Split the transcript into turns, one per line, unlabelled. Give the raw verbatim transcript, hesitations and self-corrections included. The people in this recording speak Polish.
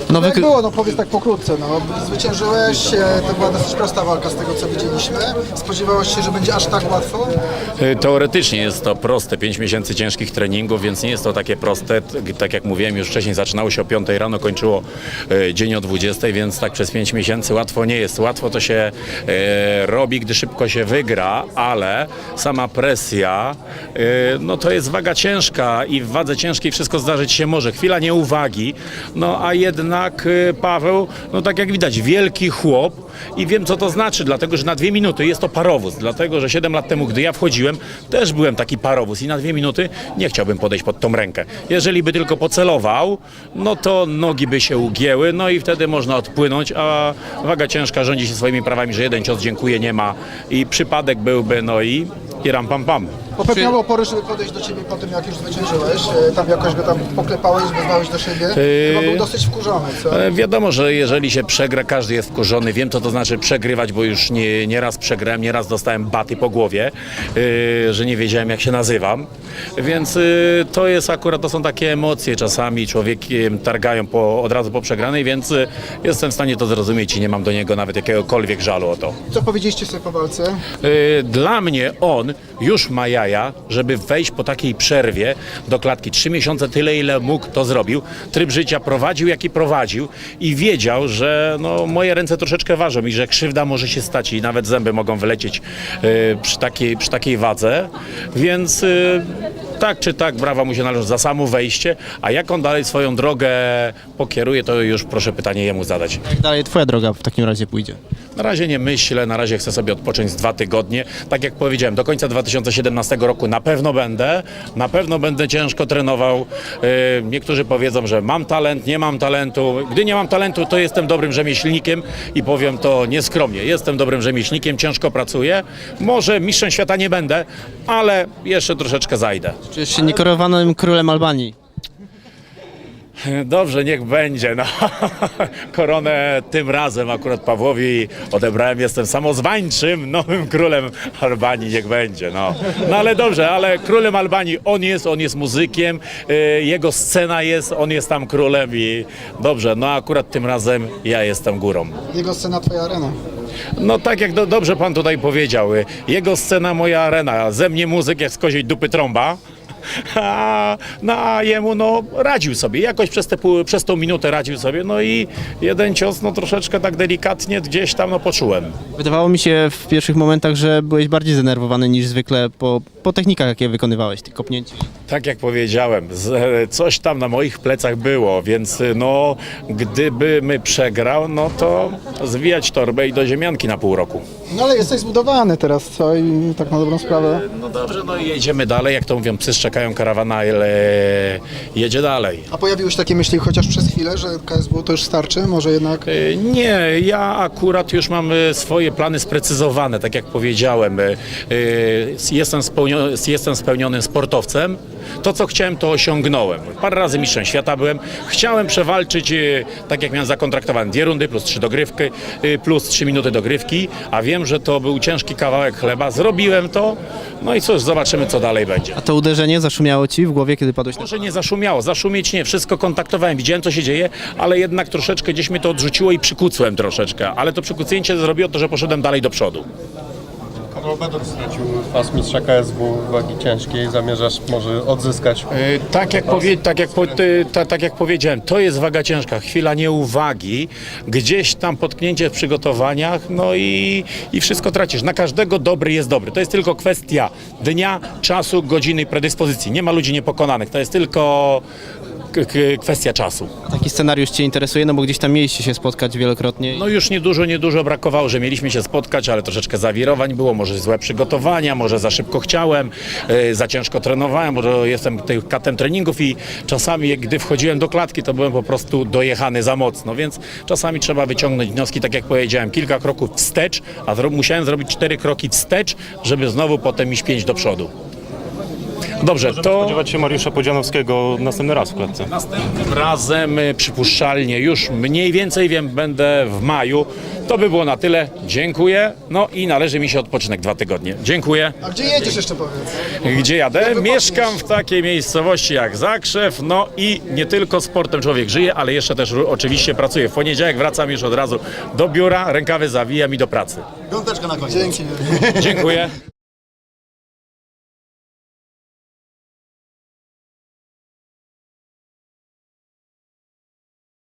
No
Jak
wy...
było, no powiedz tak pokrótce, no zwyciężyłeś, e, to była dosyć prosta walka z tego co widzieliśmy. Spodziewałeś się, że będzie aż tak łatwo?
Teoretycznie jest to proste, pięć miesięcy ciężkich treningów, więc nie jest to takie proste. T- Tak jak mówiłem już wcześniej, zaczynało się o piątej rano, kończyło e, dzień o dwudziestej, więc tak przez pięć miesięcy łatwo nie jest. Łatwo to się e, robi, gdy szybko się wygra, ale sama presja, e, no to jest waga ciężka i w wadze ciężkiej wszystko zdarzyć się może. Chwila nieuwagi, no a jednak e, Paweł, no tak jak widać, wielki chłop i wiem co to znaczy, dlatego że na dwie minuty jest to parowóz, dlatego że siedem lat temu, gdy ja wchodziłem, też byłem taki parowóz i na dwie minuty nie chciałbym podejść pod tą rękę. Jeżeli by tylko pocelował, no to nogi by się ugięły, no i wtedy można odpłynąć, a waga ciężka rządzi się swoimi prawami, że jeden cios dziękuję nie ma i przypadek byłby, no i, i ram pam pam.
Popek miał opory, żeby podejść do ciebie po tym, jak już zwyciężyłeś. E, Tam jakoś go tam poklepałeś, wezwałeś do siebie. Chyba był dosyć wkurzony, co?
E, Wiadomo, że jeżeli się przegra, każdy jest wkurzony. Wiem, co to znaczy przegrywać, bo już nie, nie raz przegrałem, nie raz dostałem baty po głowie, e, że nie wiedziałem, jak się nazywam. Więc e, to jest akurat, to są takie emocje czasami, człowiekiem targają po, od razu po przegranej, więc e, jestem w stanie to zrozumieć i nie mam do niego nawet jakiegokolwiek żalu o to.
Co powiedzieliście sobie po walce?
E, Dla mnie on już ma jaja, żeby wejść po takiej przerwie do klatki. Trzy miesiące tyle, ile mógł, to zrobił. Tryb życia prowadził, jaki prowadził i wiedział, że no, moje ręce troszeczkę ważą i że krzywda może się stać i nawet zęby mogą wylecieć y, przy, takiej, przy takiej wadze. Więc y, tak czy tak brawa mu się należy za samo wejście, a jak on dalej swoją drogę pokieruje, to już proszę pytanie jemu zadać.
Jak dalej twoja droga w takim razie pójdzie?
Na razie nie myślę, na razie chcę sobie odpocząć z dwa tygodnie. Tak jak powiedziałem, do końca dwa tysiące siedemnastego roku na pewno będę, na pewno będę ciężko trenował. Yy, niektórzy powiedzą, że mam talent, nie mam talentu. Gdy nie mam talentu, to jestem dobrym rzemieślnikiem i powiem to nieskromnie. Jestem dobrym rzemieślnikiem, ciężko pracuję. Może mistrzem świata nie będę, ale jeszcze troszeczkę zajdę.
Czujesz się niekorowanym królem Albanii?
Dobrze, niech będzie. No. Koronę tym razem akurat Pawłowi odebrałem. Jestem samozwańczym nowym królem Albanii. Niech będzie. No. No ale dobrze, ale królem Albanii on jest, on jest muzykiem, y, jego scena jest, on jest tam królem i dobrze, no akurat tym razem ja jestem górą.
Jego scena, twoja arena.
No tak jak do, dobrze pan tutaj powiedział, y, jego scena, moja arena, ze mnie muzyk jak z koziej dupy trąba. A, no, a jemu no radził sobie, jakoś przez, te, pół- przez tą minutę radził sobie, no i jeden cios no troszeczkę tak delikatnie gdzieś tam no poczułem.
Wydawało mi się w pierwszych momentach, że byłeś bardziej zdenerwowany niż zwykle po, po technikach, jakie wykonywałeś, tych kopnięć.
Tak jak powiedziałem, z, coś tam na moich plecach było, więc no gdyby my przegrał, no to zwijać torbę i do ziemianki na pół roku.
No ale jesteś zbudowany teraz, co? I tak na dobrą sprawę.
No dobrze, no i jedziemy dalej, jak to mówią, psy szczekają, karawana ale jedzie dalej.
A pojawiły się takie myśli chociaż przez chwilę, że K S W to już starczy? Może jednak...
Y, Nie, ja akurat już mam y, swoje plany sprecyzowane, tak jak powiedziałem. y, y, Jestem, spełnio, jestem spełnionym sportowcem. To, co chciałem, to osiągnąłem. Parę razy mistrzem świata byłem. Chciałem przewalczyć, y, tak jak miałem zakontraktowane, dwie rundy plus trzy dogrywki, y, plus trzy minuty dogrywki, a wiem, że to był ciężki kawałek chleba. Zrobiłem to, no i cóż, zobaczymy, co dalej będzie.
A to uderzenie zaszumiało ci w głowie, kiedy padłeś na...
Może nie zaszumiało, zaszumieć nie, wszystko kontaktowałem, widziałem co się dzieje, ale jednak troszeczkę gdzieś mnie to odrzuciło i przykucłem troszeczkę, ale to przykucnięcie zrobiło to, że poszedłem dalej do przodu.
Karol Bedor stracił pas mistrza K S W wagi ciężkiej. Zamierzasz może odzyskać?
Yy, tak, jak powie, tak, jak po, ty, ta, tak jak powiedziałem, to jest waga ciężka, chwila nieuwagi, gdzieś tam potknięcie w przygotowaniach, no i, i wszystko tracisz. Na każdego dobry jest dobry. To jest tylko kwestia dnia, czasu, godziny i predyspozycji. Nie ma ludzi niepokonanych, to jest tylko k- k- kwestia czasu.
Taki scenariusz cię interesuje, no bo gdzieś tam mieliście się spotkać wielokrotnie.
No już niedużo, niedużo brakowało, że mieliśmy się spotkać, ale troszeczkę zawirowań było, może złe przygotowania, może za szybko chciałem, yy, za ciężko trenowałem, może jestem tym katem treningów i czasami gdy wchodziłem do klatki, to byłem po prostu dojechany za mocno, więc czasami trzeba wyciągnąć wnioski, tak jak powiedziałem, kilka kroków wstecz, a zro- musiałem zrobić cztery kroki wstecz, żeby znowu potem iść pięć do przodu. Dobrze, to
Spodziewać się Mariusza Podzianowskiego następny raz w klatce.
następnym razem y, przypuszczalnie już mniej więcej wiem, będę w maju. To by było na tyle. Dziękuję. No i należy mi się odpoczynek dwa tygodnie. Dziękuję.
A gdzie jedziesz jeszcze powiedz?
Gdzie jadę? Mieszkam w takiej miejscowości jak Zakrzew, no i nie tylko sportem człowiek żyje, ale jeszcze też ru- oczywiście pracuję. W poniedziałek wracam już od razu do biura, rękawy zawijam i do pracy.
Dzięki.
Dziękuję.